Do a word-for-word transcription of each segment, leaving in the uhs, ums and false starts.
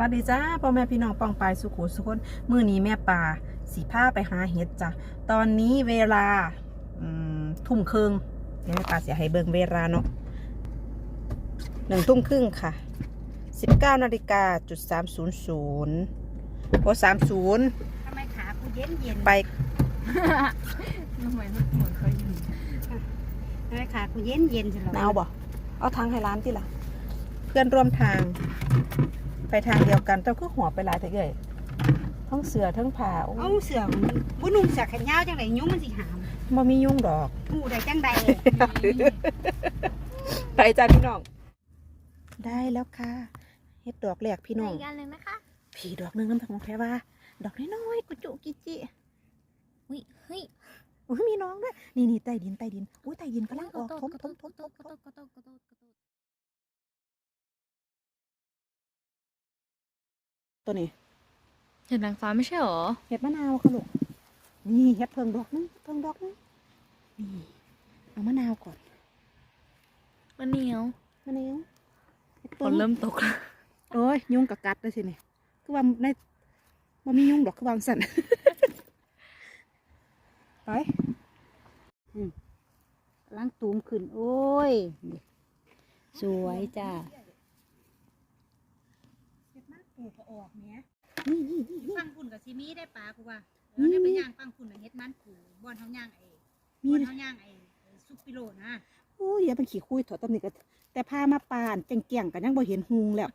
สดีจ้าพ่อแม่พี่น้องปองปายสุขุสุขนมื้อนี้แม่ป่าสีผ้าไปหาเห็ดจ้ะตอนนี้เวลาทุ่มครึ่งเดี๋ยวแม่ป่าเสียให้เบิ่งเวลาเนาะหนึ่งทุ่มครึ่งค่ะสิบเก้านาฬิกาจุดสามศูนย์ศูนย์โอ้สามศูนย์ทำไมขากูเย็นเย็นไปทำไมเหมือนเคยอยู่ทำไมขากูเย็นเย็นจังเลยหนาวบ่เอาทางให้ร้านที่ละเพื่อนร่วมทางไปทางเดียวกันเจ้าคือหัวไปหลายแต่เอ่ยทั้งเสือทั้งผ้าเอาเสือบุนุ่งเสือแขนยาวจังไรยุ่งมันสิหามบ่มียุ่งดอกหูได้จังใดไปจ้าพี่น้องได้แล้วค่ะเฮ็ดดอกแหลกพี่น้องกันเลยไหมคะผีดอกนึงน้ำผักแพรว่าดอกน้อยๆกุจุกิจิอุ้ยเฮ้ยอุ้ยมีน้องด้วยนี่นี่ใต้ดินใต้ดินอุ้ยใต้ดินกำลังออกทมทมทมทมตัวนี้เห็ดนางฟ้าไม่ใช่หรอเห็ดมะนาวค่ะลูกนี่เห็ดเพิงดอกนึงเพิงดอกนึงนี่เอามะนาวก่อนมะเหนียวมะนาวฝนเริ่มตกแล้วโอ้ยยุงกับกัดเลยสิเนี่ยคือว่าในมันมียุงดอกคือวางสั่นไปล้างตูมขึ้นโอ้ยสวยจ้าเห็ดมากปูก็ออกเนี้ยนี่นี่นี่ปังคุณกับซีมีได้ปลากูว่าแล้วได้ไปย่างปังคุณกับเห็ดมันปูบอนเท้าย่างไอ้บอนเท้าย่างไอ้ซุปปิโลนะโอ้ยอย่าเป็นขี้คุยถอดตำหนิกันแต่พามาปานเก่งๆกันยังบ่เห็นหุงแล้ว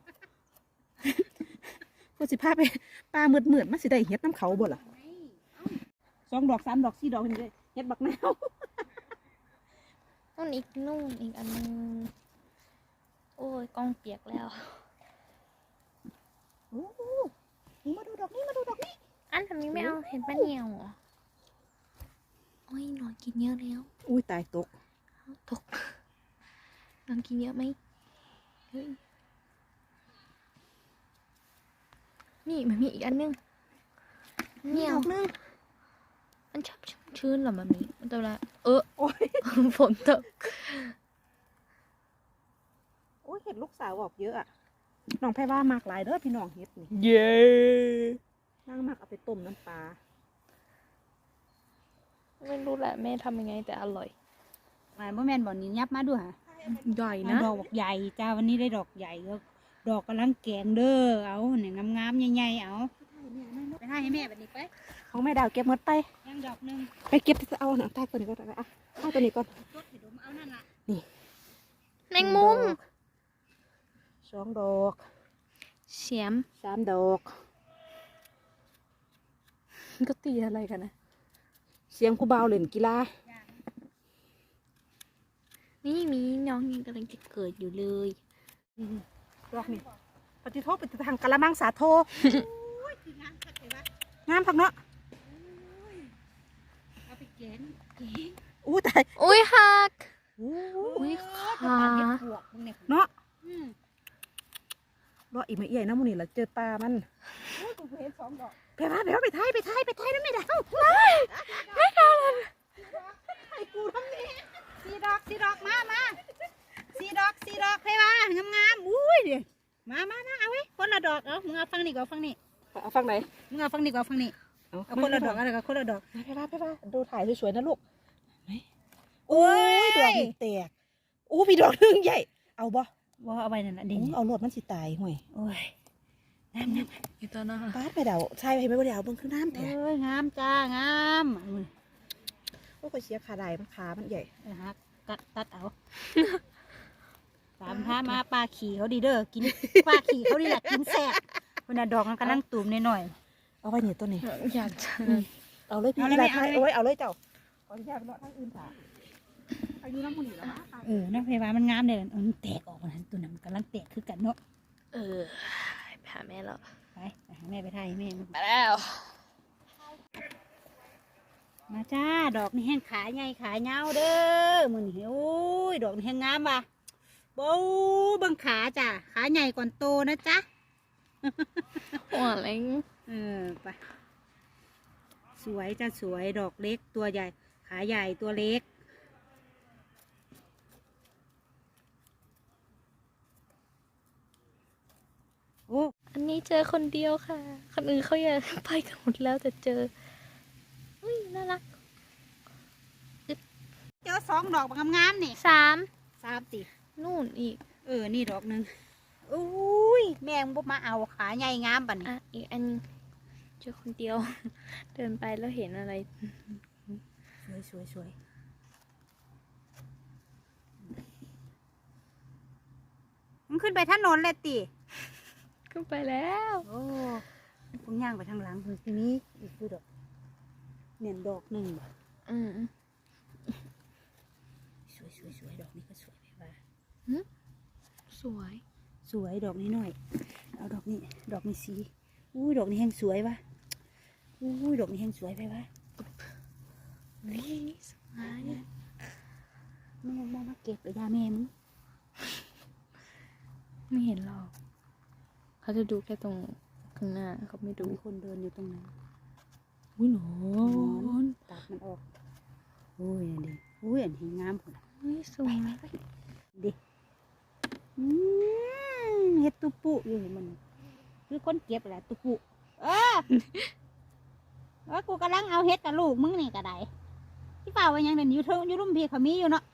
พูดสิพาไปปลาเมือดเมือดมาสิได้เห็ดน้ำเขาบ่ล่ะสองดอกสามดอกสี่ดอกนี่เลยเห็ดบักแนวต้นอีกนุ่มอีกอันนึงโอ้ยกองเปียกแล้วโอ้นี่มาดูดอกนี้มาดูดอกนี้อันทำนี้ไม่เอาเห็นปะเหนียวเหรอโอ้ยนอนกินเยอะแล้วอุ้ยตายตกตกนอนกินเยอะไหมเฮ้ยนี่มันมีอีกอันนึงเหนียวนึงมันชอบชื้นเหรอมันมีมันตัวละเออโอ้ยฝนตกโอ้ยเห็ดลูกสาวออกเยอะอ่ะน้องแพรว่ามากหลายเด้อพี่น้องเห็ดนี่เย้นั่งมากเอาไปต้มน้ำปลาไม่รู้แหละแม่ทำยังไงแต่อร่อยมาบ่แม่นบ่อนี้ยับมาด้วยฮะใหญ่นะดอกใหญ่จ้าวันนี้ได้ดอกใหญ่ก็ดอกกำลังแกงเด้อเอาเนี่ยงามๆใหญ่ๆเอาไปให้แม่แบบนี้ไปของแม่ดาวเก็บหมดไปยังดอกนึงไปเก็บเอาหนังใต้ตัวนี้ก็ได้อ่ะใต้ตัวนี้ก่อนนี่แมงมุมสองดอกเสียมสามดอกก็ตีอะไรกันนะเสียงกูเบาเล่นกีฬานี่มีน้องยังกำลังจะเกิดอยู่เลยดอกนี่ปฏิโทษปฏิทางกะละมังสาโทงามพักเนาะเอาไปเกณฑ์อู้ตายอุ้ยหักอุ้ยขาเนาะรออีกไม่ใหญ่นะมูนี่ละเจอปลามันไปว่าไปว่าไปไทยไปไทยไปไทยนั่นไม่ได้ไม่ได้เลยไอ้กูทำนี่สีดอกสีดอกมามาสีดอกสีดอกเพว่างามๆอุ้ยเดี๋ยวมามามาเอาไว้คนละดอกเอามึงเอาฟังนี่ก่อนฟังนี่เอาฟังไหนมึงเอาฟังนี่ก่อนฟังนี่เอาคนละดอกอะไรก็คนละดอกไปว่าไปว่าดูถ่ายสวยๆนะลูกโอ้ยดอกแตกอู้มีดอกนึงใหญ่เอาบ่ว่าเอาไปนั่นแหละดิเอาโหลดมันสิตายห่วยโอ้ยน้ำน้ำอยู่ตัวน่ะป้าไปเดาใช่ไปไม่ไปเดาเบิ่งข้างน้ำแท้เอ้ยงามจ้างามโอ้ยเสียขาได้มันขามันใหญ่ฮะกัดตัดเอาตามพามาปลาขี่เขาดีเด้อกินปลาขี่เขาดีแหละกินแซ่บคนน่ะดอกมันกำลังตูมหน่อยเอาไว้เนี่ยตัวนี้อยากจะเอาเลยพี่เอาเลยเอาเลยเอาเลยเจ้าขออนุญาตไปเลาะทางอื่นค่ะอายุน้ำมันนี่แล้วเออน้ำเพวามันงามเลยมันแตกออกมาตัวนั้นกำลังแตกคือกันเนาะเออไปหาแม่แล้วไปไปหาแม่ไปถ่ายแม่มาแล้วมาจ้าดอกนี่แห้งขาใหญ่ขาเงาเด้อมือนี่โอ้ยดอกนี่แห้งงามว่ะโบ้บังขาจ้ะขาใหญ่ก่อนโตนะจ๊ะหัวเล็กเออไปสวยจ้ะสวยดอกเล็กตัวใหญ่ขาใหญ่ตัวเล็กโอ้อันนี้นี้เจอคนเดียวค่ะ คนอื่นเขาอยากไปกันหมดแล้วแต่เจออุ้ยน่ารักเจอสองดอกงามๆนี่สามสามตินู่นอีกเออนี่ดอกหนึ่งอุ้ยแม่งบ่มาเอาขาใหญ่งามบัดนี้อ่ะอีกอันเจอคนเดียว เดินไปแล้วเห็นอะไรสวยสวยสวยมันขึ้นไปถนนเลยติก็ไปแล้วโอ้พุ่งย่างไปทางหลังคือทีนี้อีกคือดอกเนี่ยดอกหนึ่งบ่อืมสวยสวยสวยดอกนี้ก็สวยไปว่าสวยสวยดอกนี้หน่อยเอาดอกนี้ดอกนี้สีอุ้ยดอกนี้แห้งสวยวะอุ้ยดอกนี้แห้งสวยไปวะนี่สวยแม่มามาเก็บไปยาแม่มึงไม่เห็นหรอกเขาจะดูแค่ตรงข้างหน้าเขาไม่ดูมีคนเดินอยู่ตรงนั้นอุ้ยหนอนตัดมันออกอุ้ยอันนี้อุ้ยอันนี้งามพุ่นอุ้ยสวยดิอืมเฮ็ดตุปุอยู่นี่มันคือคนเก็บแหละตุปุเออเออกูกำลังเอาเฮ็ดกับลูกมึงนี่กระไดที่เปล่าว่ายังเดินอยู่เทิงอยู่รุ่มพี่เขามีอยู่เนาะ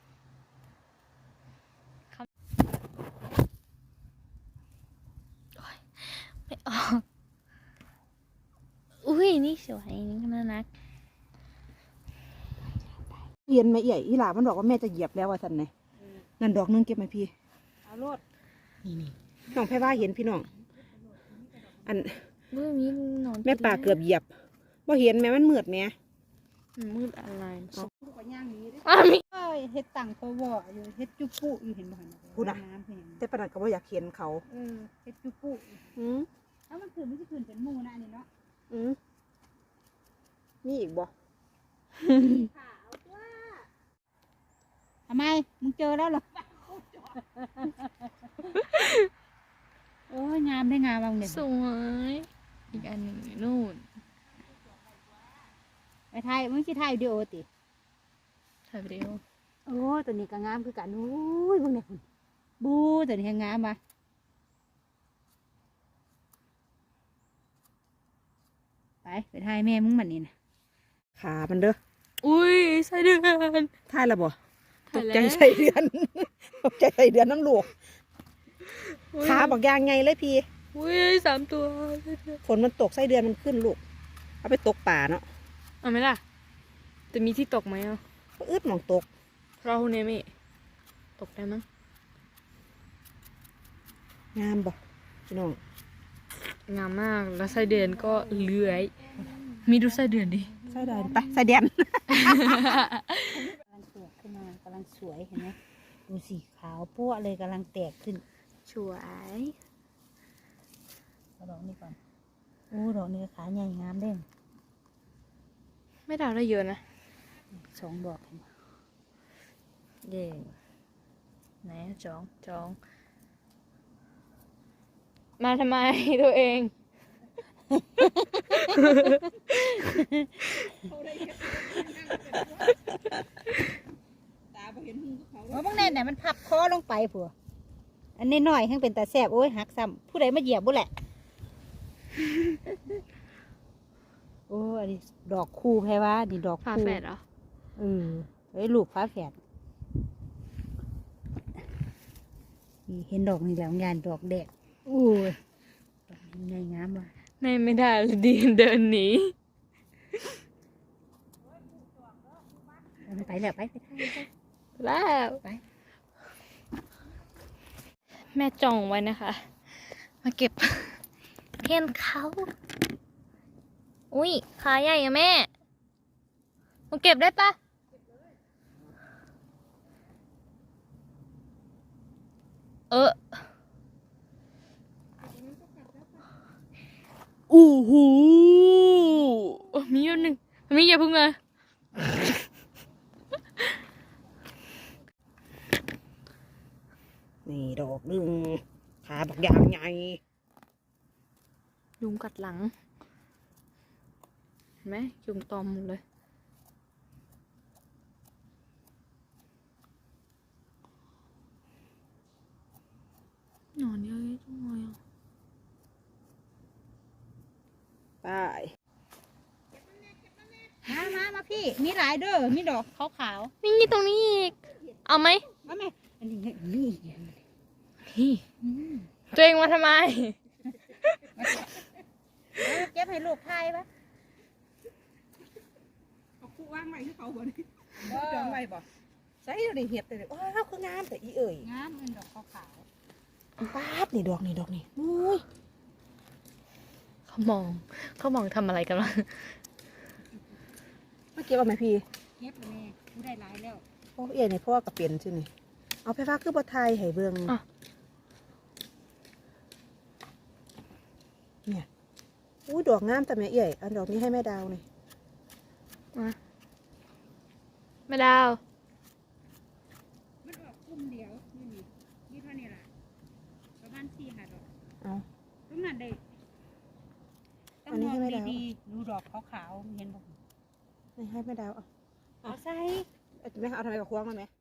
ไม่ออกอุ้ยนี่สวยนี่ก็น่ารักเรียนมาใหญ่อีหลามันบอกว่าแม่จะเหยียบแล้วว่าสันไงนั่นดอกนึงเก็บไหมพี่เอาโลดนี่นี่น้องแพ่ว่าเห็นพี่น้องอันอุ้ยมีหนอนแม่ป่าเกือบเหยียบว่าเห็นแม่มันมืดแม่มันมืดอะไรกูก็ย่างหนี้เด้อ้าวมีเอ้ยเฮ็ดตังตัวบ่อยู่เฮ็ดจุปุอยู่เห็นบ่หั่นพูดนะน้ำเพิ่นแต่ปนัดก็บ่อยากเห็นเขาเออเฮ็ดจุปุอืมแล้วมันคือมันสิขึ้นเป็นหมู่นะอันนี้เนาะอืมนี่อีกบ่ทำไมมึงเจอแล้วเหรอโอ้ยงามได้งามบางเนี่ยสวยอีกอันหนึ่งอยู่นู่นไปถ่ายมึงสิถ่ายวิดีโอติถ่ายวิดีโอโอ้ตัวนี้ก็งามคือกันโอ้ยเบิ่งเนี่ยคุณบูตัวนี้ก็งามว่ะไปไปถ่ายแม่มึงมันนี่นะขามันเด้ออุ้ยไส้เดือนท่ายและบ่ตถ่ายกแล้วใจใส่เดือน ตกใจใส่เดือนน้ำลูกอุ๊ยขาบอกยางไงเลยพี่อุ้ยสามตัวฝนมันตกไส้เดือนมันขึ้นลูกเอาไปตกป่าเนาะเอาไหมล่ะจะมีที่ตกไหมอ่ะก็อึดหมองตกเราเนี่ยไม่ตกได้มั้งงามบ่พี่น้องงามมากแล้วไส้เดือนก็เลื้อย มีดูไส้เดือนดิไส้เดือนไปไส้เดือนกำลังแตกขึ้นมากำลังสวยเห็นไหมดูสีขาวปั้วเลยกำลังแตกขึ้นสวยเอาดอกนี้ก่อนโอ้ดอกนี้ขาใหญ่งามเด้งไม่ดาวได้เยอะนะสองดอกเห็นไหมเย่ไหนอะจองจอง มาทำไมตัวเองเพราะบางแน่เนี่ยมันพับคอลงไปผัวอันนี้น้อยให้เป็นตาแสบโอ้ยหักซ้ำผู้ใดมาเหยียบบุแหละ โอ้อันนี้ดอกคู่แพ้ว่านี่ดอกฝาคู่แฝดเหรอเออไอ้ลูกฟ้าแฝดนี่เห็นดอกนี่แล้วงานดอกแดกโอ้ยดอกนี้ใหญ่งามว่ะในไม่ได้เลยดีเดินหนีเอาไปแล้วไปไปไปไปแล้วไปแม่จองไว้นะคะ มาเก็บเทียนเขาอุ้ยขาใหญ่อะแม่มาเก็บได้ปะเอออู้หูมีอยู่หนึ่งมีอย่าเพึ่งเลยนี่ดอกหนึ่งขาบอกยางไงยุงกัดหลัง เห็นไหมยุงตอมหมดเลยหนอนเยอะจังเลยอ่ะไปมามามาพี่มีหลายเด้อมีดอกขาวนี่ตรงนี้อีก เอาไหมๆมาแม่อันนี้นี่นี่อืมตัวเองมาทำไมเอาเก็บให้ลูกทายปะเอาคู่ว่างไว้ให้เขาบ่นี่ดองไว้บ่ใส่เดี๋ยวนี้เห็ดเลยว้าวคืองามแต่อีเอ่ยงามเงินดอกขาวป๊าดนี่ดอกนี่ดอกนี่อุ้ยเขามอง เขามองทำอะไรกันวะมาเก็บเอาไหมพี่ๆเก็บเลยแม่กูได้หลายแล้วโอ้เอ๋นี่พ่อกับเปลี่ยนใช่ไหมเอาไฟฟ้าคือบ่ไทยให้เบิ่งอ่ะเนี่ยอุ้ยดอกงามแต่แม่เอ๋ยอันดอกนี้ให้แม่ดาวนี่มาแม่ดาวมันออกกลุ่มเดียวนี่นี่นี่เท่านี้ล่ะประมาณสี่ห้าดอกเอาตรงนั้นได้ต้ออังนนี้มอให้งแม่ดาวดีๆดูดอกขาวๆเห็นบ่นี่ให้แม่ดาวเอาเอาใส่เอาแม่เอาทำไมกับควงมาไหม